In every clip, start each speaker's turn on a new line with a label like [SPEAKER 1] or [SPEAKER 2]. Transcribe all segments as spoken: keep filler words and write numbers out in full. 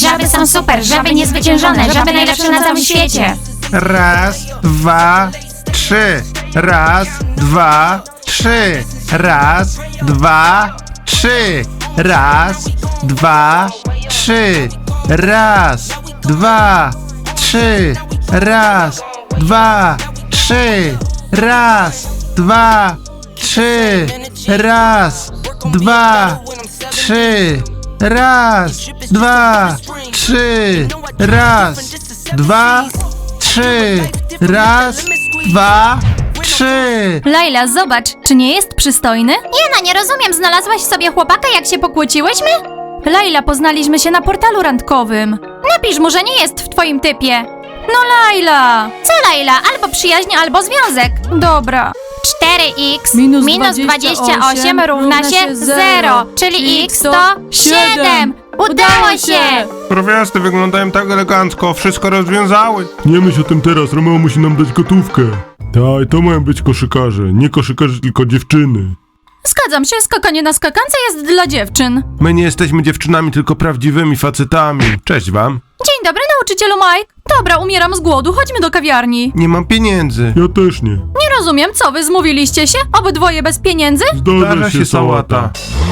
[SPEAKER 1] Żaby są super, żaby niezwyciężone, żaby najlepsze na całym świecie.
[SPEAKER 2] Raz, dwa, trzy. Raz, dwa, trzy. Raz, dwa, trzy. Raz, dwa, trzy. Raz, dwa, trzy. Raz, dwa, trzy. Raz, dwa, trzy. Raz, dwa, trzy. Raz, dwa, trzy. Raz, dwa, trzy. Raz, dwa, trzy.
[SPEAKER 3] Laila, zobacz, czy nie jest przystojny?
[SPEAKER 1] Jana, nie rozumiem, znalazłaś sobie chłopaka, jak się pokłóciłyśmy?
[SPEAKER 3] Laila, poznaliśmy się na portalu randkowym.
[SPEAKER 1] Napisz mu, że nie jest w twoim typie.
[SPEAKER 3] No Laila!
[SPEAKER 1] Co, Laila? Albo przyjaźń, albo związek.
[SPEAKER 3] Dobra.
[SPEAKER 1] cztery x
[SPEAKER 3] Minus
[SPEAKER 1] minus dwadzieścia osiem równa się zero, czyli x to siedem. Udało się!
[SPEAKER 2] Prowiasty wyglądają tak elegancko, wszystko rozwiązały.
[SPEAKER 4] Nie myśl o tym teraz, Romeo musi nam dać gotówkę. Tak, to mają być koszykarze, nie koszykarze, tylko dziewczyny.
[SPEAKER 3] Zgadzam się, skakanie na skakance jest dla dziewczyn.
[SPEAKER 2] My nie jesteśmy dziewczynami, tylko prawdziwymi facetami. Cześć wam.
[SPEAKER 3] Dzień dobry, nauczycielu Mike. Dobra, umieram z głodu, chodźmy do kawiarni.
[SPEAKER 2] Nie mam pieniędzy.
[SPEAKER 4] Ja też nie.
[SPEAKER 3] Nie rozumiem, co wy zmówiliście się? Obydwoje bez pieniędzy?
[SPEAKER 4] Zdarza się sałata.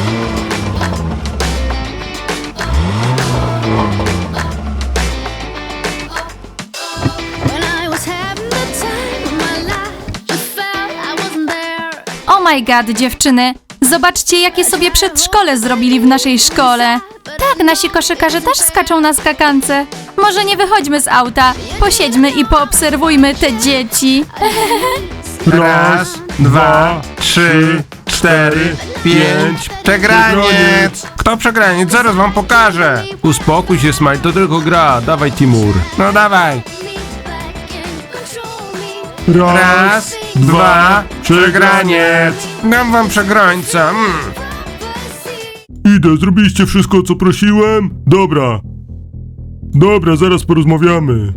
[SPEAKER 5] When I was having the time of my life, I felt I wasn't there.
[SPEAKER 3] Oh my god, dziewczyny. Zobaczcie, jakie sobie przedszkole zrobili w naszej szkole. Tak, nasi koszykarze też skaczą na skakance. Może nie wychodźmy z auta, posiedźmy i poobserwujmy te dzieci.
[SPEAKER 2] Raz, dwa, trzy, cztery, pięć. Przegraniec! Kto przegraniec? Zaraz wam pokażę. Uspokój się, Smile, to tylko gra. Dawaj, Timur. No dawaj.
[SPEAKER 5] Me back and control me.
[SPEAKER 2] Raz, dwa, przegraniec. Dam wam przegrańca. Mm.
[SPEAKER 4] Idę, zrobiliście wszystko, co prosiłem? Dobra. Dobra, zaraz porozmawiamy.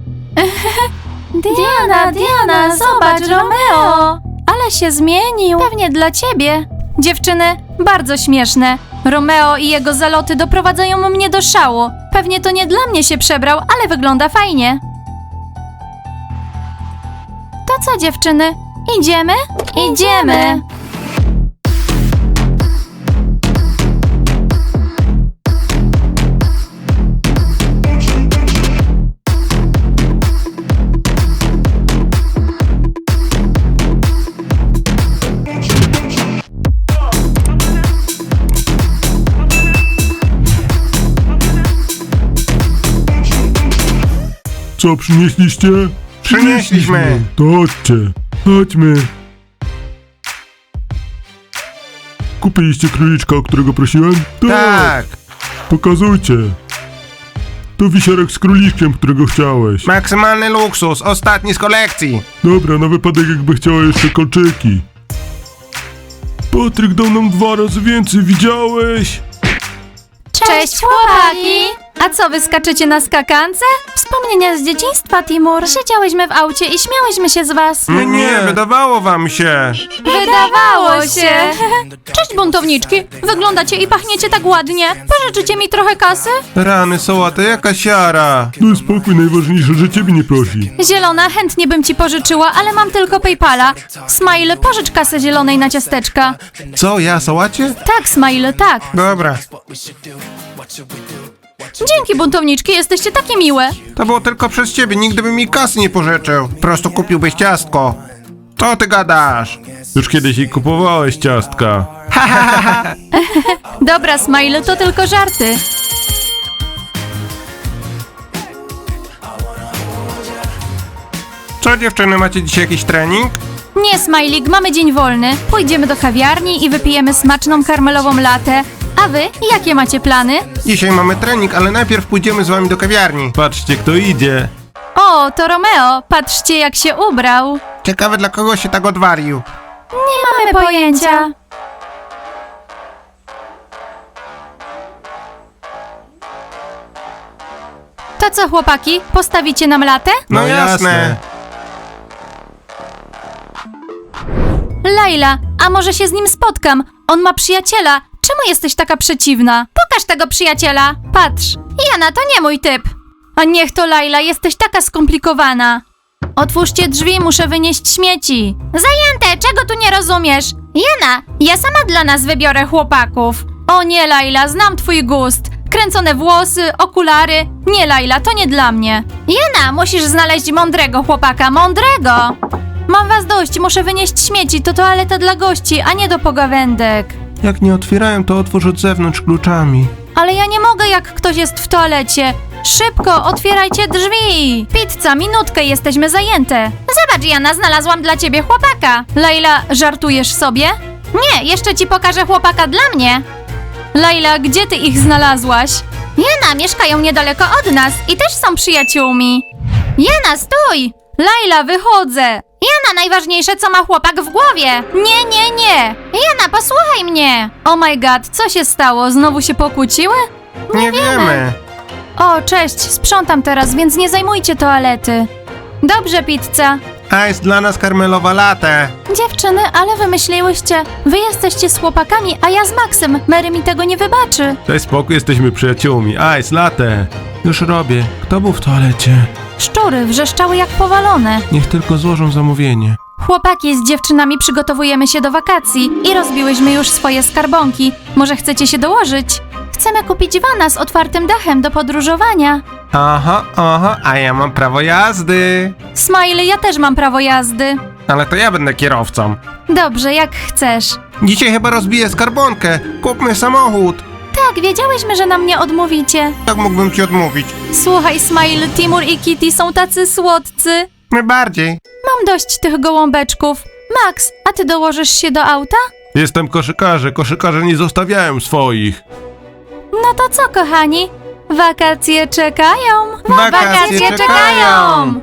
[SPEAKER 3] Diana, Diana, zobacz, Romeo! Ale się zmienił. Pewnie dla ciebie. Dziewczyny, bardzo śmieszne. Romeo i jego zaloty doprowadzają mnie do szału. Pewnie to nie dla mnie się przebrał, ale wygląda fajnie. To co, dziewczyny? Idziemy? Idziemy!
[SPEAKER 4] Co, przynieśliście?
[SPEAKER 2] Przynieśliśmy.
[SPEAKER 4] To chodźcie. Chodźmy. Kupiliście króliczka, o którego prosiłem?
[SPEAKER 2] Tak.
[SPEAKER 4] Pokazujcie. To wisiorek z króliczkiem, którego chciałeś.
[SPEAKER 2] Maksymalny luksus, ostatni z kolekcji.
[SPEAKER 4] Dobra, na wypadek jakby chciała jeszcze kolczyki. Patryk dał nam dwa razy więcej, widziałeś?
[SPEAKER 3] Cześć, chłopaki! A co, wy skaczecie na skakance? Wspomnienia z dzieciństwa, Timur. Siedziałyśmy w aucie i śmiałyśmy się z was.
[SPEAKER 2] Nie, nie, wydawało wam się.
[SPEAKER 3] Wydawało się. Cześć, buntowniczki. Wyglądacie i pachniecie tak ładnie. Pożyczycie mi trochę kasy?
[SPEAKER 2] Rany, sałata, jaka siara.
[SPEAKER 4] No spokój, najważniejsze, że ciebie nie prosi.
[SPEAKER 3] Zielona, chętnie bym ci pożyczyła, ale mam tylko PayPala. Smile, pożycz kasę zielonej na ciasteczka.
[SPEAKER 2] Co, ja sałacie?
[SPEAKER 3] Tak, Smile, tak.
[SPEAKER 2] Dobra.
[SPEAKER 3] Dzięki, buntowniczki, jesteście takie miłe.
[SPEAKER 2] To było tylko przez ciebie, nigdy bym mi kasy nie pożyczył. Po prostu kupiłbyś ciastko. Co ty gadasz?
[SPEAKER 4] Już kiedyś jej kupowałeś ciastka.
[SPEAKER 3] Dobra, Smile, to tylko żarty.
[SPEAKER 2] Co, dziewczyny, macie dzisiaj jakiś trening?
[SPEAKER 3] Nie, Smajlik, mamy dzień wolny. Pójdziemy do kawiarni i wypijemy smaczną karmelową latę. A wy, jakie macie plany?
[SPEAKER 2] Dzisiaj mamy trening, ale najpierw pójdziemy z wami do kawiarni.
[SPEAKER 4] Patrzcie, kto idzie.
[SPEAKER 3] O, to Romeo, patrzcie jak się ubrał.
[SPEAKER 2] Ciekawe, dla kogo się tak odwarił.
[SPEAKER 3] Nie mamy pojęcia. To co, chłopaki, postawicie nam latę?
[SPEAKER 2] No jasne.
[SPEAKER 3] Laila, a może się z nim spotkam? On ma przyjaciela. Czemu jesteś taka przeciwna? Pokaż tego przyjaciela. Patrz. Jana, to nie mój typ. A niech to Laila, jesteś taka skomplikowana. Otwórzcie drzwi, muszę wynieść śmieci. Zajęte, czego tu nie rozumiesz? Jana, ja sama dla nas wybiorę chłopaków. O nie, Laila, znam twój gust. Kręcone włosy, okulary. Nie, Laila, to nie dla mnie. Jana, musisz znaleźć mądrego chłopaka, mądrego. Mam was dość, muszę wynieść śmieci, to toaleta dla gości, a nie do pogawędek.
[SPEAKER 2] Jak nie otwierają, to otwórz od zewnątrz kluczami.
[SPEAKER 3] Ale ja nie mogę, jak ktoś jest w toalecie. Szybko, otwierajcie drzwi. Pizza, minutkę, jesteśmy zajęte. Zobacz, Jana, znalazłam dla ciebie chłopaka. Laila, żartujesz sobie? Nie, jeszcze ci pokażę chłopaka dla mnie. Laila, gdzie ty ich znalazłaś? Jana, mieszkają niedaleko od nas i też są przyjaciółmi. Jana, stój! Laila, wychodzę. Jana, najważniejsze, co ma chłopak w głowie. Nie, nie, nie. Jana, posłuchaj mnie. Oh my god, co się stało? Znowu się pokłóciły?
[SPEAKER 2] Nie wiemy.
[SPEAKER 3] O, cześć, sprzątam teraz, więc nie zajmujcie toalety. Dobrze, pizza.
[SPEAKER 2] A jest dla nas karmelowa latte.
[SPEAKER 3] Dziewczyny, ale wymyśliłyście. Wy jesteście z chłopakami, a ja z Maxem. Mary mi tego nie wybaczy.
[SPEAKER 2] Daj spokój, jesteśmy przyjaciółmi. Ice, latte. Już robię. Kto był w toalecie?
[SPEAKER 3] Szczury wrzeszczały jak powalone.
[SPEAKER 2] Niech tylko złożą zamówienie.
[SPEAKER 3] Chłopaki, z dziewczynami przygotowujemy się do wakacji i rozbiłyśmy już swoje skarbonki. Może chcecie się dołożyć? Chcemy kupić vana z otwartym dachem do podróżowania.
[SPEAKER 2] Aha, aha, a ja mam prawo jazdy.
[SPEAKER 3] Smiley, ja też mam prawo jazdy.
[SPEAKER 2] Ale to ja będę kierowcą.
[SPEAKER 3] Dobrze, jak chcesz.
[SPEAKER 2] Dzisiaj chyba rozbiję skarbonkę. Kupmy samochód.
[SPEAKER 3] Tak, wiedziałyśmy, że nam nie odmówicie.
[SPEAKER 2] Jak mógłbym ci odmówić?
[SPEAKER 3] Słuchaj, Smile, Timur i Kitty są tacy słodcy.
[SPEAKER 2] My bardziej.
[SPEAKER 3] Mam dość tych gołąbeczków. Max, a ty dołożysz się do auta?
[SPEAKER 2] Jestem koszykarzem. Koszykarze nie zostawiają swoich.
[SPEAKER 3] No to co, kochani? Wakacje czekają.
[SPEAKER 2] Wakacje czekają.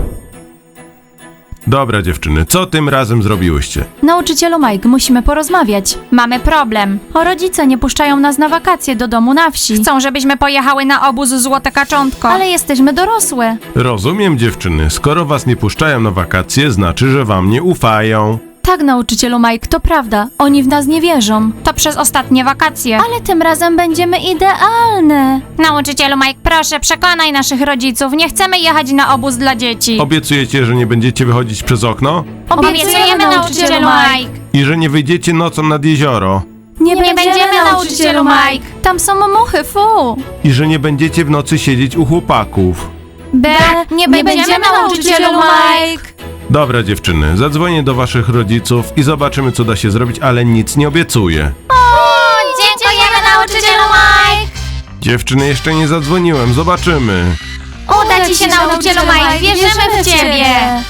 [SPEAKER 2] Dobra dziewczyny, co tym razem zrobiłyście?
[SPEAKER 3] Nauczycielu Mike, musimy porozmawiać. Mamy problem. O, rodzice nie puszczają nas na wakacje do domu na wsi. Chcą, żebyśmy pojechały na obóz Złote Kaczątko. Ale jesteśmy dorosłe.
[SPEAKER 2] Rozumiem dziewczyny, skoro was nie puszczają na wakacje, znaczy, że wam nie ufają.
[SPEAKER 3] Tak, nauczycielu Mike, to prawda. Oni w nas nie wierzą. To przez ostatnie wakacje. Ale tym razem będziemy idealne. Nauczycielu Mike, proszę, przekonaj naszych rodziców. Nie chcemy jechać na obóz dla dzieci.
[SPEAKER 2] Obiecujecie, że nie będziecie wychodzić przez okno?
[SPEAKER 3] Obiecujemy, nauczycielu Mike.
[SPEAKER 2] I że nie wyjdziecie nocą nad jezioro?
[SPEAKER 3] Nie, nie będziemy, nauczycielu Mike. Tam są muchy, fu.
[SPEAKER 2] I że nie będziecie w nocy siedzieć u chłopaków?
[SPEAKER 3] B, nie, nie będziemy, nauczycielu Mike.
[SPEAKER 2] Dobra dziewczyny, zadzwonię do waszych rodziców i zobaczymy, co da się zrobić, ale nic nie obiecuję.
[SPEAKER 3] Dziękujemy, nauczycielu Mike.
[SPEAKER 2] Dziewczyny, jeszcze nie zadzwoniłem, zobaczymy.
[SPEAKER 3] Uda ci się, nauczycielu Mike. Wierzymy w ciebie.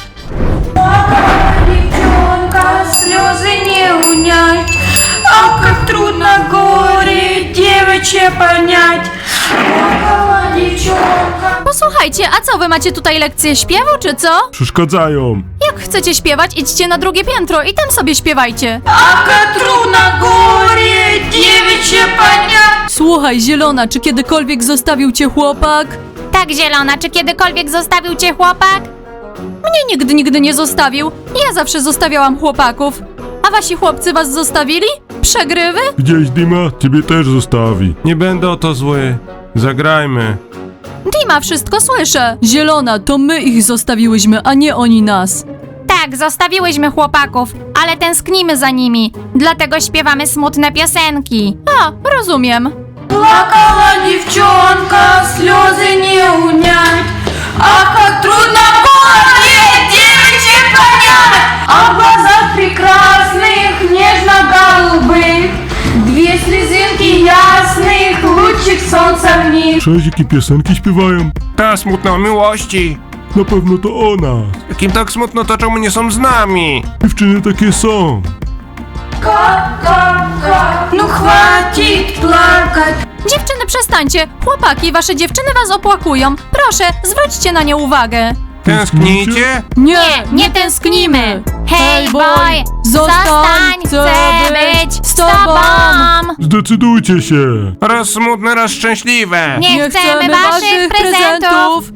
[SPEAKER 6] Девчонка, слезы не унять, а как трудно горе девичье понять. Плакала девчонка.
[SPEAKER 3] Posłuchajcie, a co, wy macie tutaj lekcję śpiewu, czy co?
[SPEAKER 4] Przeszkadzają.
[SPEAKER 3] Jak chcecie śpiewać, idźcie na drugie piętro i tam sobie śpiewajcie.
[SPEAKER 6] А как трудно горе девичье понять.
[SPEAKER 3] Słuchaj, Zielona, czy kiedykolwiek zostawił cię chłopak? Tak, Zielona, czy kiedykolwiek zostawił cię chłopak? Mnie nigdy, nigdy nie zostawił. Ja zawsze zostawiałam chłopaków. A wasi chłopcy was zostawili? Przegrywy?
[SPEAKER 4] Gdzieś Dima ciebie też zostawi.
[SPEAKER 2] Nie będę o to zły. Zagrajmy.
[SPEAKER 3] Dima, wszystko słyszę. Zielona, to my ich zostawiłyśmy, a nie oni nas. Tak, zostawiłyśmy chłopaków, ale tęsknimy za nimi. Dlatego śpiewamy smutne piosenki. A, rozumiem.
[SPEAKER 6] Плакала девчонка, слезы не унять. А как трудно горе девичье понять. А в глазах прекрасных, нежно-голубых две слезинки ясных, лучик солнца в них.
[SPEAKER 4] Cześć, jakie piosenki śpiewają?
[SPEAKER 2] Ta smutna o miłości.
[SPEAKER 4] Na pewno to o nas.
[SPEAKER 2] Jakim tak smutno, to czemu nie są z nami?
[SPEAKER 4] Dziewczyny takie są.
[SPEAKER 6] Как, как, как, ну хватит плакать.
[SPEAKER 3] Dziewczyny, przestańcie. Chłopaki, wasze dziewczyny was opłakują. Proszę, zwróćcie na nie uwagę.
[SPEAKER 2] Tęsknicie?
[SPEAKER 3] Nie, nie tęsknimy. Hey boy, zostań, chcę być z tobą.
[SPEAKER 4] Zdecydujcie się.
[SPEAKER 2] Raz smutne, raz szczęśliwe.
[SPEAKER 3] Nie chcemy waszych prezentów.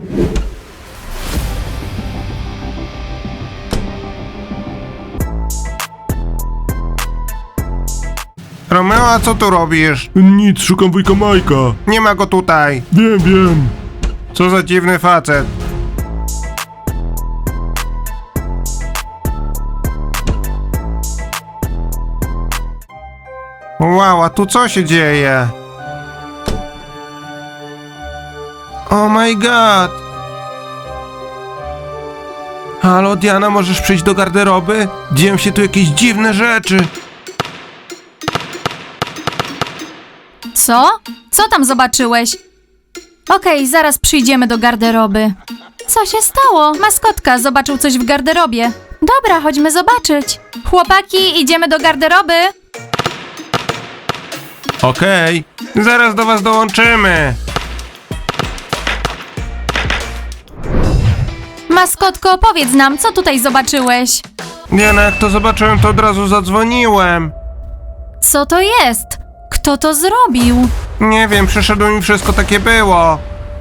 [SPEAKER 2] Romeo, a co tu robisz?
[SPEAKER 4] Nic, szukam wujka Majka.
[SPEAKER 2] Nie ma go tutaj.
[SPEAKER 4] Wiem, wiem.
[SPEAKER 2] Co za dziwny facet. Wow, a tu co się dzieje? Oh my god. Halo, Diana, możesz przyjść do garderoby? Dzieją się tu jakieś dziwne rzeczy.
[SPEAKER 3] Co? Co tam zobaczyłeś? Okej, zaraz przyjdziemy do garderoby. Co się stało? Maskotka zobaczył coś w garderobie. Dobra, chodźmy zobaczyć. Chłopaki, idziemy do garderoby.
[SPEAKER 2] Okej, zaraz do was dołączymy.
[SPEAKER 3] Maskotko, powiedz nam, co tutaj zobaczyłeś?
[SPEAKER 2] Diana, jak to zobaczyłem, to od razu zadzwoniłem.
[SPEAKER 3] Co to jest? Kto to zrobił?
[SPEAKER 2] Nie wiem, przyszedło mi wszystko takie było.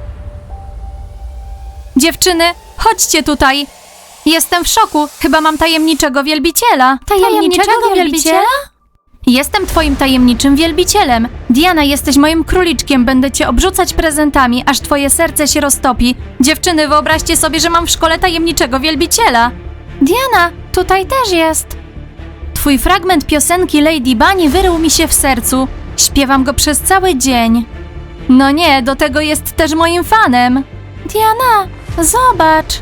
[SPEAKER 3] Dziewczyny, chodźcie tutaj. Jestem w szoku. Chyba mam tajemniczego wielbiciela. Tajemniczego wielbiciela? Jestem twoim tajemniczym wielbicielem. Diana, jesteś moim króliczkiem. Będę cię obrzucać prezentami, aż twoje serce się roztopi. Dziewczyny, wyobraźcie sobie, że mam w szkole tajemniczego wielbiciela. Diana, tutaj też jest. Twój fragment piosenki Lady Bunny wyrył mi się w sercu. Śpiewam go przez cały dzień. No nie, do tego jest też moim fanem. Diana, zobacz.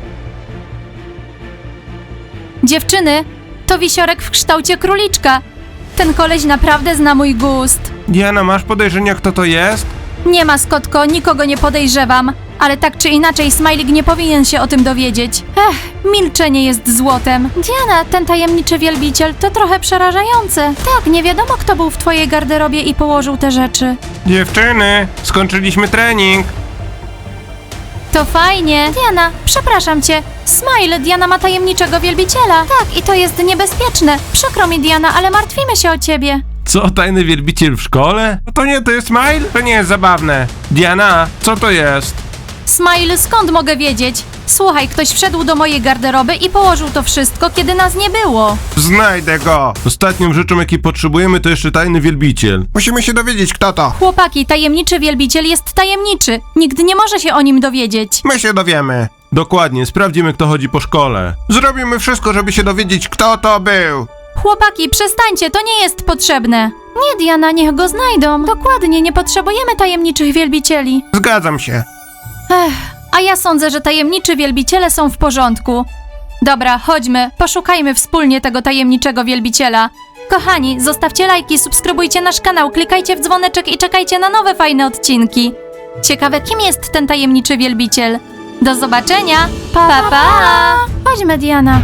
[SPEAKER 3] Dziewczyny, to wisiorek w kształcie króliczka. Ten koleś naprawdę zna mój gust.
[SPEAKER 2] Diana, masz podejrzenia, kto to jest?
[SPEAKER 3] Nie, maskotko, nikogo nie podejrzewam. Ale tak czy inaczej, Smajlik nie powinien się o tym dowiedzieć. Ech, milczenie jest złotem. Diana, ten tajemniczy wielbiciel to trochę przerażające. Tak, nie wiadomo, kto był w twojej garderobie i położył te rzeczy.
[SPEAKER 2] Dziewczyny, skończyliśmy trening.
[SPEAKER 3] To fajnie. Diana, przepraszam cię. Smile, Diana ma tajemniczego wielbiciela. Tak, i to jest niebezpieczne. Przykro mi, Diana, ale martwimy się o ciebie.
[SPEAKER 2] Co, tajny wielbiciel w szkole? No to nie, to jest Smile? To nie jest zabawne. Diana, co to jest?
[SPEAKER 3] Smile, skąd mogę wiedzieć? Słuchaj, ktoś wszedł do mojej garderoby i położył to wszystko, kiedy nas nie było.
[SPEAKER 2] Znajdę go.
[SPEAKER 4] Ostatnią rzeczą, jakiej potrzebujemy, to jeszcze tajny wielbiciel.
[SPEAKER 2] Musimy się dowiedzieć, kto to.
[SPEAKER 3] Chłopaki, tajemniczy wielbiciel jest tajemniczy. Nikt nie może się o nim dowiedzieć.
[SPEAKER 2] My się dowiemy.
[SPEAKER 4] Dokładnie, sprawdzimy, kto chodzi po szkole.
[SPEAKER 2] Zrobimy wszystko, żeby się dowiedzieć, kto to był.
[SPEAKER 3] Chłopaki, przestańcie, to nie jest potrzebne. Nie, Diana, niech go znajdą. Dokładnie, nie potrzebujemy tajemniczych wielbicieli.
[SPEAKER 2] Zgadzam się.
[SPEAKER 3] Ech, a ja sądzę, że tajemniczy wielbiciele są w porządku. Dobra, chodźmy, poszukajmy wspólnie tego tajemniczego wielbiciela. Kochani, zostawcie lajki, subskrybujcie nasz kanał, klikajcie w dzwoneczek i czekajcie na nowe fajne odcinki. Ciekawe, kim jest ten tajemniczy wielbiciel. Do zobaczenia! Pa, pa! pa. Chodźmy, Diana.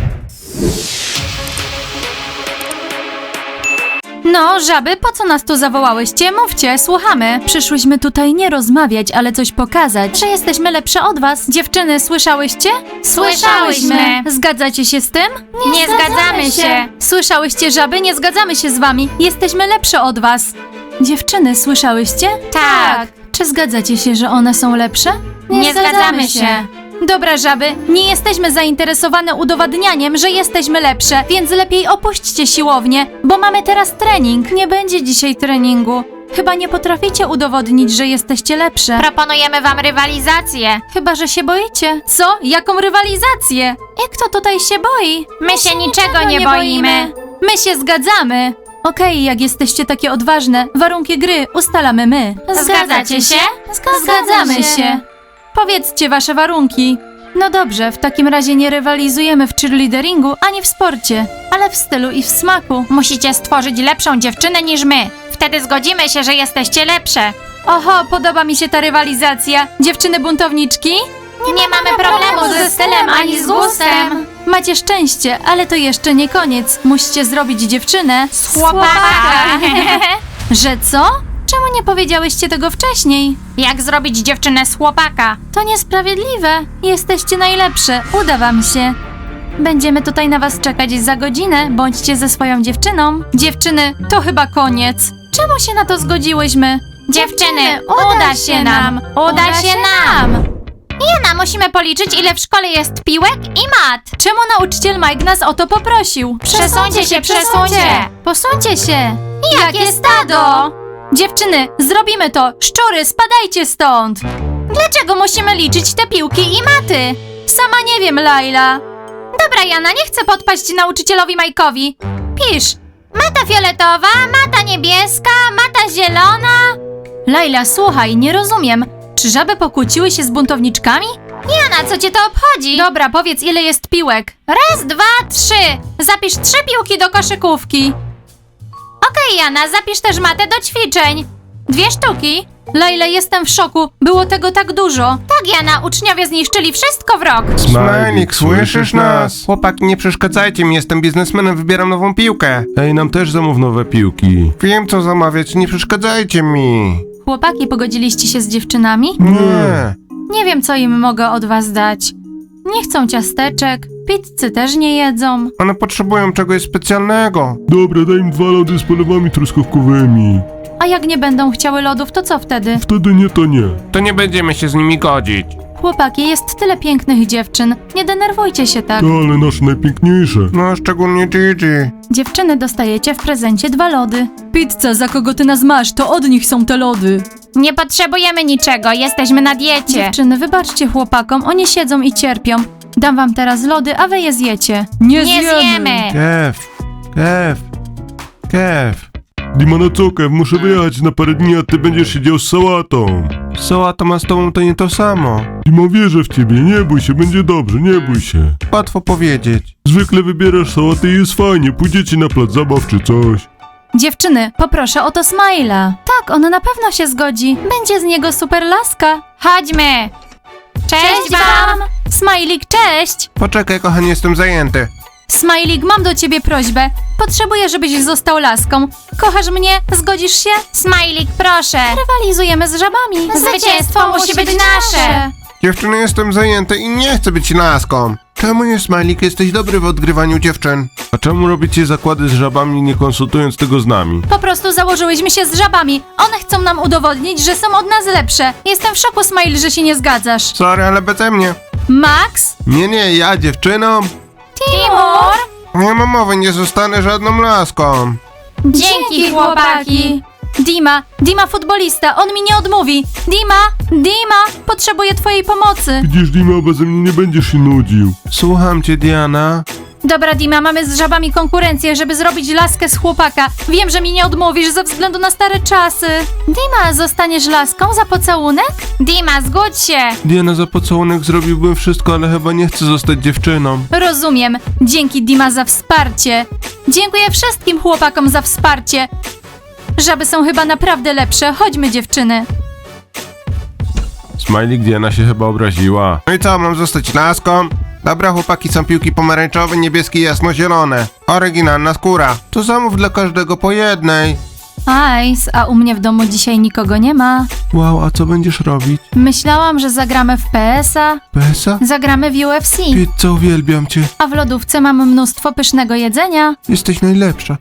[SPEAKER 3] No, żaby, po co nas tu zawołałyście? Mówcie, słuchamy. Przyszłyśmy tutaj nie rozmawiać, ale coś pokazać. Że jesteśmy lepsze od was. Dziewczyny, słyszałyście?
[SPEAKER 1] Słyszałyśmy.
[SPEAKER 3] Zgadzacie się z tym?
[SPEAKER 1] Nie zgadzamy się.
[SPEAKER 3] Słyszałyście, żaby? Nie zgadzamy się z wami. Jesteśmy lepsze od was. Dziewczyny, słyszałyście?
[SPEAKER 1] Tak.
[SPEAKER 3] Czy zgadzacie się, że one są lepsze?
[SPEAKER 1] Nie zgadzamy się.
[SPEAKER 3] Dobra, żaby, nie jesteśmy zainteresowane udowadnianiem, że jesteśmy lepsze, więc lepiej opuśćcie siłownię, bo mamy teraz trening. Nie będzie dzisiaj treningu. Chyba nie potraficie udowodnić, że jesteście lepsze.
[SPEAKER 1] Proponujemy wam rywalizację.
[SPEAKER 3] Chyba, że się boicie. Co? Jaką rywalizację? I kto tutaj się boi?
[SPEAKER 1] My się niczego nie boimy.
[SPEAKER 3] My się zgadzamy. Okej, jak jesteście takie odważne, warunki gry ustalamy my.
[SPEAKER 1] Zgadzacie się?
[SPEAKER 3] Zgadzamy się. Powiedzcie wasze warunki. No dobrze, w takim razie nie rywalizujemy w cheerleaderingu ani w sporcie, ale w stylu i w smaku.
[SPEAKER 1] Musicie stworzyć lepszą dziewczynę niż my. Wtedy zgodzimy się, że jesteście lepsze.
[SPEAKER 3] Oho, podoba mi się ta rywalizacja. Dziewczyny buntowniczki?
[SPEAKER 1] Nie, nie mamy problemu ze stylem ani z gustem.
[SPEAKER 3] Macie szczęście, ale to jeszcze nie koniec. Musicie zrobić dziewczynę z
[SPEAKER 1] Chłopaka.
[SPEAKER 3] Że co? Czemu nie powiedziałyście tego wcześniej?
[SPEAKER 1] Jak zrobić dziewczynę z chłopaka?
[SPEAKER 3] To niesprawiedliwe. Jesteście najlepsze. Uda wam się. Będziemy tutaj na was czekać za godzinę. Bądźcie ze swoją dziewczyną. Dziewczyny, to chyba koniec. Czemu się na to zgodziłyśmy?
[SPEAKER 1] Dziewczyny, uda się nam. Uda się nam. Jana, musimy policzyć, ile w szkole jest piłek i mat.
[SPEAKER 3] Czemu nauczyciel Mike nas o to poprosił?
[SPEAKER 1] Przesuńcie się, przesuńcie.
[SPEAKER 3] Posuńcie się!
[SPEAKER 1] Jakie stado?
[SPEAKER 3] Dziewczyny, zrobimy to! Szczury, spadajcie stąd!
[SPEAKER 1] Dlaczego musimy liczyć te piłki i maty?
[SPEAKER 3] Sama nie wiem, Laila.
[SPEAKER 1] Dobra, Jana, nie chcę podpaść nauczycielowi Majkowi. Pisz. Mata fioletowa, mata niebieska, mata zielona.
[SPEAKER 3] Laila, słuchaj, nie rozumiem. Czy żaby pokłóciły się z buntowniczkami?
[SPEAKER 1] Jana, co cię to obchodzi?
[SPEAKER 3] Dobra, powiedz, ile jest piłek.
[SPEAKER 1] Raz, dwa, trzy. Zapisz trzy piłki do koszykówki. Okej, Jana, zapisz też matę do ćwiczeń. Dwie sztuki.
[SPEAKER 3] Laila, jestem w szoku. Było tego tak dużo.
[SPEAKER 1] Tak, Jana, uczniowie zniszczyli wszystko w rok.
[SPEAKER 2] Smajlik, słyszysz nas? Chłopaki, nie przeszkadzajcie mi, jestem biznesmenem, wybieram nową piłkę.
[SPEAKER 4] Ej, nam też zamów nowe piłki.
[SPEAKER 2] Wiem co zamawiać, nie przeszkadzajcie mi.
[SPEAKER 3] Chłopaki, pogodziliście się z dziewczynami?
[SPEAKER 2] Nie.
[SPEAKER 3] Nie wiem, co im mogę od was dać. Nie chcą ciasteczek, pizzy też nie jedzą.
[SPEAKER 2] One potrzebują czegoś specjalnego.
[SPEAKER 4] Dobra, daj im dwa lody z polewami truskawkowymi.
[SPEAKER 3] A jak nie będą chciały lodów, to co wtedy?
[SPEAKER 4] Wtedy nie, to nie.
[SPEAKER 2] To nie będziemy się z nimi godzić.
[SPEAKER 3] Chłopaki, jest tyle pięknych dziewczyn. Nie denerwujcie się tak.
[SPEAKER 4] To ale nasze najpiękniejsze.
[SPEAKER 2] No, szczególnie Gigi.
[SPEAKER 3] Dziewczyny, dostajecie w prezencie dwa lody. Pizza, za kogo ty nas masz, to od nich są te lody.
[SPEAKER 1] Nie potrzebujemy niczego, jesteśmy na diecie.
[SPEAKER 3] Dziewczyny, wybaczcie chłopakom, oni siedzą i cierpią. Dam wam teraz lody, a wy je zjecie. Nie,
[SPEAKER 1] Nie zjemy.
[SPEAKER 2] Kev, Kev, Kev.
[SPEAKER 4] Dima, na co, Kev? Muszę wyjechać na parę dni, a ty będziesz siedział z sałatą.
[SPEAKER 2] Sałata ma z tobą to nie to samo.
[SPEAKER 4] Dima, wierzę w ciebie, nie bój się, będzie dobrze, nie bój się.
[SPEAKER 2] Łatwo powiedzieć.
[SPEAKER 4] Zwykle wybierasz sałatę i jest fajnie, pójdziecie na plac zabaw czy coś.
[SPEAKER 3] Dziewczyny, poproszę o to Smaila. Tak, on na pewno się zgodzi. Będzie z niego super laska.
[SPEAKER 1] Chodźmy. Cześć, wam.
[SPEAKER 3] Smajlik, cześć!
[SPEAKER 2] Poczekaj, kochanie, jestem zajęty.
[SPEAKER 3] Smajlik, mam do ciebie prośbę. Potrzebuję, żebyś został laską. Kochasz mnie? Zgodzisz się?
[SPEAKER 1] Smajlik, proszę.
[SPEAKER 3] Rywalizujemy z żabami.
[SPEAKER 1] Zwycięstwo musi być nasze.
[SPEAKER 2] Dziewczyny, jestem zajęty i nie chcę być laską. Czemu nie, Smajlik? Jesteś dobry w odgrywaniu dziewczyn.
[SPEAKER 4] A czemu robicie zakłady z żabami, nie konsultując tego z nami?
[SPEAKER 3] Po prostu założyłyśmy się z żabami. One chcą nam udowodnić, że są od nas lepsze. Jestem w szoku, Smile, że się nie zgadzasz.
[SPEAKER 2] Sorry, ale beze mnie.
[SPEAKER 3] Max?
[SPEAKER 2] Nie, nie, ja dziewczynom.
[SPEAKER 1] Timur.
[SPEAKER 2] Nie mam mowy, nie zostanę żadną laską.
[SPEAKER 1] Dzięki, chłopaki.
[SPEAKER 3] Dima, Dima futbolista, on mi nie odmówi. Dima, Dima, potrzebuję twojej pomocy.
[SPEAKER 4] Widzisz, Dima, beze mnie nie będziesz się nudził.
[SPEAKER 2] Słucham cię, Diana.
[SPEAKER 3] Dobra, Dima, mamy z żabami konkurencję, żeby zrobić laskę z chłopaka. Wiem, że mi nie odmówisz ze względu na stare czasy. Dima, zostaniesz laską za pocałunek?
[SPEAKER 1] Dima, zgódź się.
[SPEAKER 2] Diana, za pocałunek zrobiłbym wszystko, ale chyba nie chcę zostać dziewczyną.
[SPEAKER 3] Rozumiem. Dzięki, Dima, za wsparcie. Dziękuję wszystkim chłopakom za wsparcie. Żaby są chyba naprawdę lepsze. Chodźmy, dziewczyny.
[SPEAKER 4] Smajlik, Diana się chyba obraziła.
[SPEAKER 2] No i co, mam zostać laską? Dobra, chłopaki, są piłki pomarańczowe, niebieskie i jasnozielone. Oryginalna skóra. To zamów dla każdego po jednej.
[SPEAKER 3] Ice, a u mnie w domu dzisiaj nikogo nie ma.
[SPEAKER 2] Wow, a co będziesz robić?
[SPEAKER 3] Myślałam, że zagramy w P S a,
[SPEAKER 2] Pesa?
[SPEAKER 3] zagramy w U F C,
[SPEAKER 2] Pizza, uwielbiam cię.
[SPEAKER 3] a w lodówce mam mnóstwo pysznego jedzenia.
[SPEAKER 2] Jesteś najlepsza.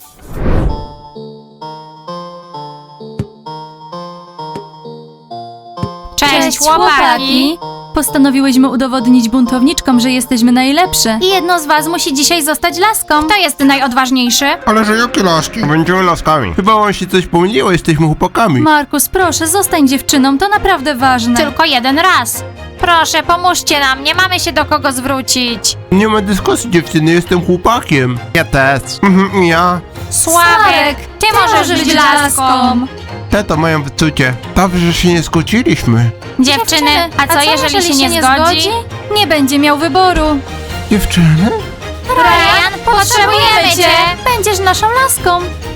[SPEAKER 1] Cześć, chłopaki.
[SPEAKER 3] Postanowiłyśmy udowodnić buntowniczkom, że jesteśmy najlepsze. I jedno z was musi dzisiaj zostać laską.
[SPEAKER 1] Kto jest najodważniejszy?
[SPEAKER 2] Ale że jakie laski? Będziemy laskami. Chyba wam się coś pomyliło, jesteśmy chłopakami.
[SPEAKER 3] Markus, proszę, zostań dziewczyną, to naprawdę ważne.
[SPEAKER 1] Tylko jeden raz. Proszę, pomóżcie nam, nie mamy się do kogo zwrócić.
[SPEAKER 2] Nie ma dyskusji, dziewczyny, jestem chłopakiem. Ja też. Mhm, ja.
[SPEAKER 1] Sławek, ty możesz być laską.
[SPEAKER 2] Te to mają wyczucie. Dobrze, że się nie skłóciliśmy.
[SPEAKER 1] Dziewczyny, a co, jeżeli, się nie zgodzi?
[SPEAKER 3] Nie będzie miał wyboru.
[SPEAKER 2] Dziewczyny?
[SPEAKER 1] Ryan, potrzebujemy cię.
[SPEAKER 3] Będziesz naszą laską.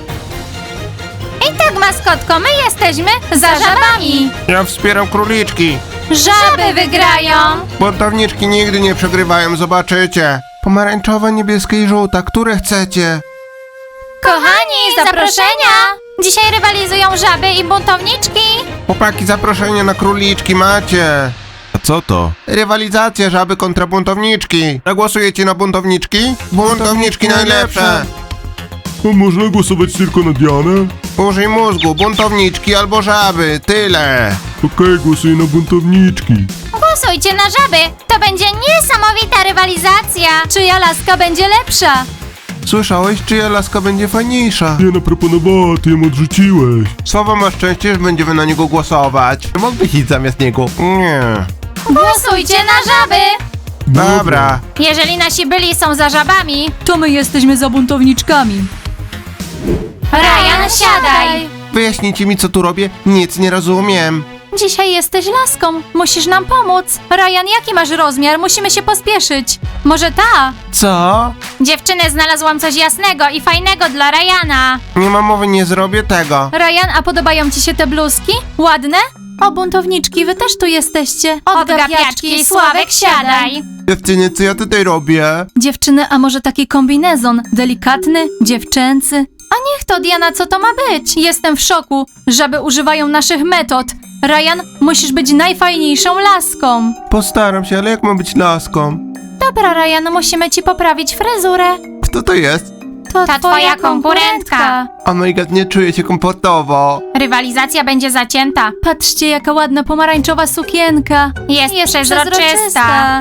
[SPEAKER 1] I tak, maskotko, my jesteśmy za żabami.
[SPEAKER 2] Ja wspieram króliczki.
[SPEAKER 1] Żaby wygrają.
[SPEAKER 2] Buntowniczki nigdy nie przegrywają, zobaczycie. Pomarańczowa, niebieska i żółta, które chcecie?
[SPEAKER 1] Kochani, zaproszenia. Dzisiaj rywalizują żaby i buntowniczki.
[SPEAKER 2] Chłopaki, zaproszenie na króliczki macie.
[SPEAKER 4] A co to?
[SPEAKER 2] Rywalizacja żaby kontra buntowniczki. Zagłosujecie na buntowniczki? Buntowniczki najlepsze.
[SPEAKER 4] A można głosować tylko na Dianę?
[SPEAKER 2] Użyj mózgu, buntowniczki albo żaby, tyle.
[SPEAKER 4] Okej, głosuję na buntowniczki.
[SPEAKER 1] Głosuj, Głosujcie na żaby! To będzie niesamowita rywalizacja!
[SPEAKER 3] Czyja laska będzie lepsza?
[SPEAKER 2] Słyszałeś, czyja laska będzie fajniejsza?
[SPEAKER 4] Diana proponowała, ty ją odrzuciłeś.
[SPEAKER 2] Słowo ma szczęście, że będziemy na niego głosować. Mógłbyś iść zamiast niego? Nie.
[SPEAKER 1] Głosujcie na żaby!
[SPEAKER 2] Dobra.
[SPEAKER 1] Jeżeli nasi byli są za żabami,
[SPEAKER 3] To my jesteśmy za buntowniczkami.
[SPEAKER 1] Ryan, siadaj!
[SPEAKER 2] Wyjaśnijcie mi, co tu robię? Nic nie rozumiem.
[SPEAKER 3] Dzisiaj jesteś laską. Musisz nam pomóc. Ryan, jaki masz rozmiar? Musimy się pospieszyć. Może ta?
[SPEAKER 2] Co?
[SPEAKER 1] Dziewczyny, znalazłam coś jasnego i fajnego dla Ryana.
[SPEAKER 2] Nie ma mowy, nie zrobię tego.
[SPEAKER 3] Ryan, a podobają ci się te bluzki? Ładne? O, buntowniczki, wy też tu jesteście.
[SPEAKER 1] Odgapiaczki, Sławek, siadaj!
[SPEAKER 2] Dziewczyny, co ja tutaj robię?
[SPEAKER 3] Dziewczyny, a może taki kombinezon? Delikatny, dziewczęcy? A niech to, Diana, co to ma być? Jestem w szoku. Żaby używają naszych metod. Ryan, musisz być najfajniejszą laską.
[SPEAKER 2] Postaram się, ale jak mam być laską?
[SPEAKER 3] Dobra, Ryan, musimy ci poprawić fryzurę.
[SPEAKER 2] Kto to jest?
[SPEAKER 3] To
[SPEAKER 1] Ta twoja konkurentka.
[SPEAKER 2] Oh my god, nie czuję się komfortowo.
[SPEAKER 1] Rywalizacja będzie zacięta.
[SPEAKER 3] Patrzcie, jaka ładna pomarańczowa sukienka.
[SPEAKER 1] Jest, przezroczysta.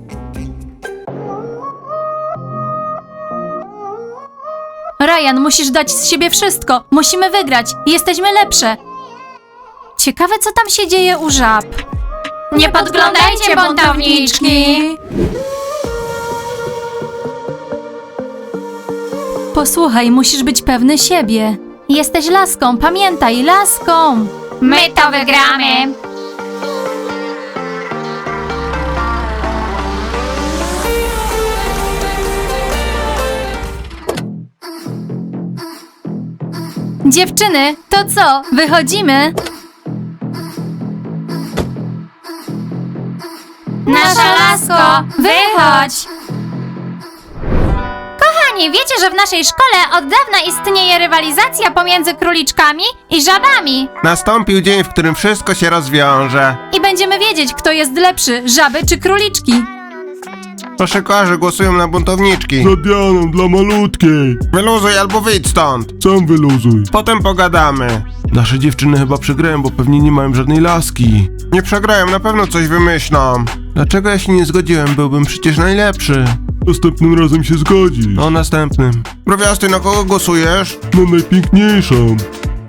[SPEAKER 3] Ryan, musisz dać z siebie wszystko. Musimy wygrać. Jesteśmy lepsze. Ciekawe, co tam się dzieje u żab.
[SPEAKER 1] Nie podglądajcie, buntowniczki!
[SPEAKER 3] Posłuchaj, musisz być pewny siebie. Jesteś laską, pamiętaj, laską.
[SPEAKER 1] My to wygramy!
[SPEAKER 3] Dziewczyny, to co? Wychodzimy?
[SPEAKER 1] Nasza lasko, wychodź! Kochani, wiecie, że w naszej szkole od dawna istnieje rywalizacja pomiędzy króliczkami i żabami.
[SPEAKER 2] Nastąpił dzień, w którym wszystko się rozwiąże.
[SPEAKER 3] I będziemy wiedzieć, kto jest lepszy, żaby czy króliczki.
[SPEAKER 2] Koszykarze głosują na buntowniczki.
[SPEAKER 4] Za Dianą, dla malutkiej.
[SPEAKER 2] Wyluzuj albo wyjdź stąd.
[SPEAKER 4] Sam wyluzuj.
[SPEAKER 2] Potem pogadamy.
[SPEAKER 4] Nasze dziewczyny chyba przegrają, bo pewnie nie mają żadnej laski.
[SPEAKER 2] Nie przegrają, na pewno coś wymyślą. Dlaczego ja się nie zgodziłem? Byłbym przecież najlepszy.
[SPEAKER 4] Następnym razem się zgodzisz.
[SPEAKER 2] O następnym. Browiasty, na kogo głosujesz?
[SPEAKER 4] Na najpiękniejszą.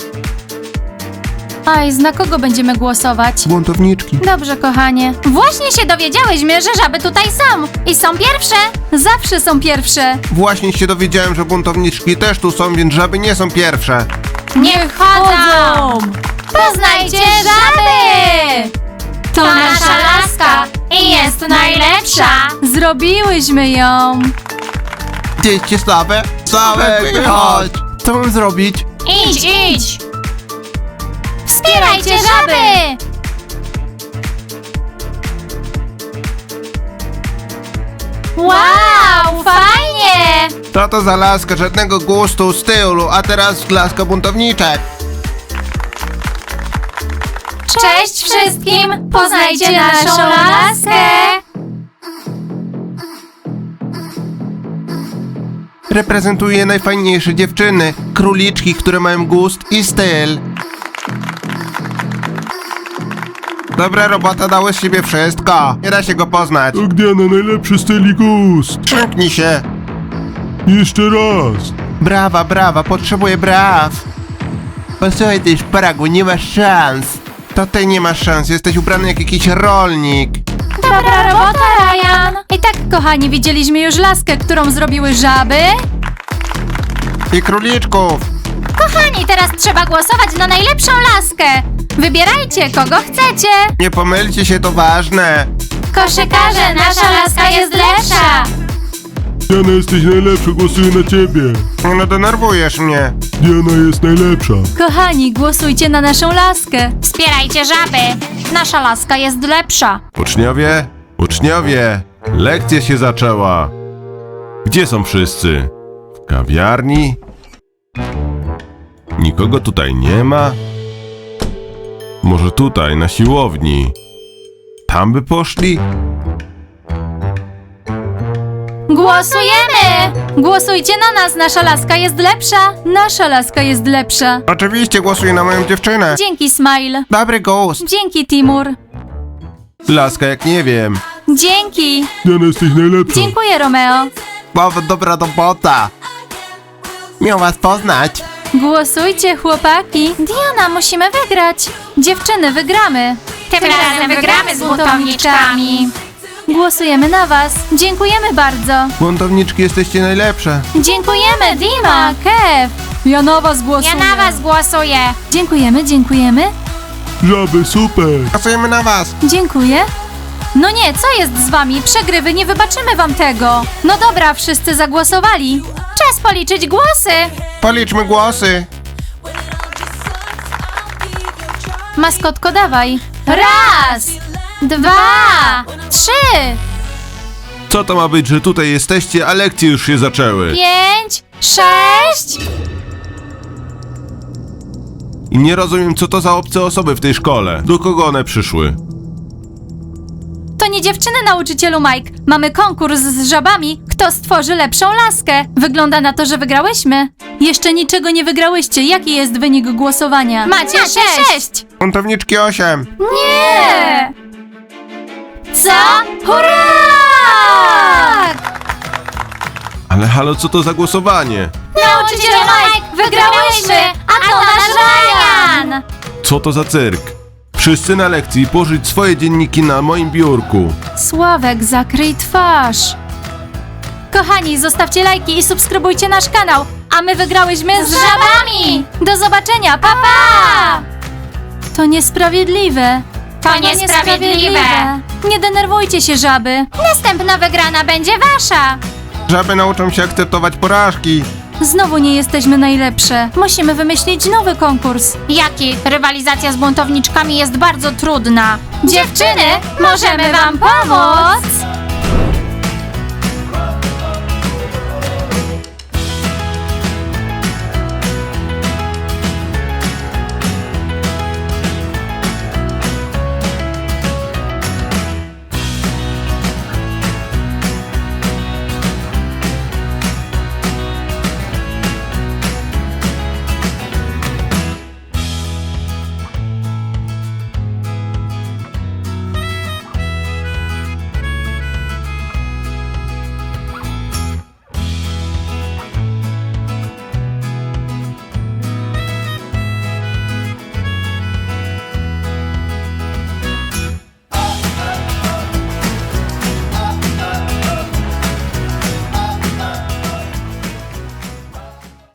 [SPEAKER 3] Aj, na kogo będziemy głosować?
[SPEAKER 2] Buntowniczki.
[SPEAKER 3] Dobrze, kochanie.
[SPEAKER 1] Właśnie się dowiedziałyśmy, że żaby tutaj są i są pierwsze.
[SPEAKER 3] Zawsze są pierwsze.
[SPEAKER 2] Właśnie się dowiedziałem, że buntowniczki też tu są, więc żaby nie są pierwsze.
[SPEAKER 1] Niech chodzą! Poznajcie żaby! To nasza laska i jest najlepsza!
[SPEAKER 3] Zrobiłyśmy ją.
[SPEAKER 2] Dzieci słabe? Sławek, wychodź! Co mam zrobić?
[SPEAKER 1] Idź, idź! Wspierajcie żaby! Wow, fajnie!
[SPEAKER 2] Co to za laska? Żadnego gustu, stylu, a teraz laska buntowniczek.
[SPEAKER 1] Cześć wszystkim! Poznajcie naszą laskę!
[SPEAKER 2] Reprezentuje najfajniejsze dziewczyny, króliczki, które mają gust i styl. Dobra robota, dały z siebie wszystko. Nie da się go poznać.
[SPEAKER 4] Tak, Diana, najlepszy styl i gust.
[SPEAKER 2] Przymknij się.
[SPEAKER 4] Jeszcze raz.
[SPEAKER 2] Brawa, brawa, potrzebuję braw. Posłuchaj, ty szparagu, nie masz szans. To ty nie masz szans, jesteś ubrany jak jakiś rolnik.
[SPEAKER 3] Dobra robota, Ryan. I tak, kochani, widzieliśmy już laskę, którą zrobiły żaby.
[SPEAKER 2] I króliczków.
[SPEAKER 1] Kochani, teraz trzeba głosować na najlepszą laskę! Wybierajcie, kogo chcecie!
[SPEAKER 2] Nie pomylcie się, to ważne.
[SPEAKER 1] Koszykarze, nasza laska jest lepsza!
[SPEAKER 4] Diana, jesteś najlepsza, głosuję na ciebie.
[SPEAKER 2] No denerwujesz mnie.
[SPEAKER 4] Diana jest najlepsza.
[SPEAKER 3] Kochani, głosujcie na naszą laskę.
[SPEAKER 1] Wspierajcie żaby! Nasza laska jest lepsza!
[SPEAKER 7] Uczniowie, uczniowie, lekcja się zaczęła. Gdzie są wszyscy? W kawiarni? Nikogo tutaj nie ma? Może tutaj, na siłowni? Tam by poszli?
[SPEAKER 3] Głosujemy! Głosujcie na nas, nasza laska jest lepsza. Nasza laska jest lepsza.
[SPEAKER 2] Oczywiście głosuję na moją dziewczynę.
[SPEAKER 3] Dzięki, Smile.
[SPEAKER 2] Dobry gust.
[SPEAKER 3] Dzięki, Timur.
[SPEAKER 7] Laska jak nie wiem.
[SPEAKER 3] Dzięki.
[SPEAKER 4] Diana, jesteś najlepsza.
[SPEAKER 3] Dziękuję, Romeo.
[SPEAKER 7] Bardzo dobra robota. Miał was poznać.
[SPEAKER 3] Głosujcie, chłopaki. Diana, musimy wygrać. Dziewczyny, wygramy.
[SPEAKER 1] Tym razem wygramy z buntowniczkami.
[SPEAKER 3] Głosujemy na was. Dziękujemy bardzo.
[SPEAKER 2] Buntowniczki, jesteście najlepsze.
[SPEAKER 3] Dziękujemy, Dima, Kev. Ja na was
[SPEAKER 1] Ja
[SPEAKER 3] głosuję.
[SPEAKER 1] na was głosuję.
[SPEAKER 3] Dziękujemy, dziękujemy.
[SPEAKER 4] Żaby, super.
[SPEAKER 2] Głosujemy na was.
[SPEAKER 3] Dziękuję. No nie, co jest z wami? Przegrywy, nie wybaczymy wam tego. No dobra, wszyscy zagłosowali.
[SPEAKER 1] Czas policzyć głosy.
[SPEAKER 2] Policzmy głosy.
[SPEAKER 3] Maskotko, dawaj.
[SPEAKER 1] Raz, dwa, trzy,
[SPEAKER 7] Co to ma być, że tutaj jesteście, a lekcje już się zaczęły?
[SPEAKER 1] pięć, sześć.
[SPEAKER 7] I nie rozumiem, co to za obce osoby w tej szkole. Do kogo one przyszły?
[SPEAKER 3] To nie dziewczyny, nauczycielu Mike. Mamy konkurs z żabami, kto stworzy lepszą laskę. Wygląda na to, że wygrałyśmy. Jeszcze niczego nie wygrałyście. Jaki jest wynik głosowania?
[SPEAKER 1] Macie sześć.
[SPEAKER 2] Buntowniczki osiem.
[SPEAKER 3] Nie!
[SPEAKER 1] Co? Hurra!
[SPEAKER 7] Ale halo, co to za głosowanie?
[SPEAKER 1] Nauczyciel Mike, wygrałyśmy, a to nasz Ryan.
[SPEAKER 7] Co to za cyrk? Wszyscy na lekcji położyć swoje dzienniki na moim biurku.
[SPEAKER 3] Sławek, zakryj twarz. Kochani, zostawcie lajki i subskrybujcie nasz kanał. A my wygrałyśmy z,
[SPEAKER 1] Z żabami.
[SPEAKER 3] Do zobaczenia, pa pa! To niesprawiedliwe.
[SPEAKER 1] To niesprawiedliwe.
[SPEAKER 3] Nie denerwujcie się, żaby.
[SPEAKER 1] Następna wygrana będzie wasza.
[SPEAKER 2] Żaby nauczą się akceptować porażki.
[SPEAKER 3] Znowu nie jesteśmy najlepsze. Musimy wymyślić nowy konkurs.
[SPEAKER 1] Jaki? Rywalizacja z buntowniczkami jest bardzo trudna. Dziewczyny, możemy wam pomóc.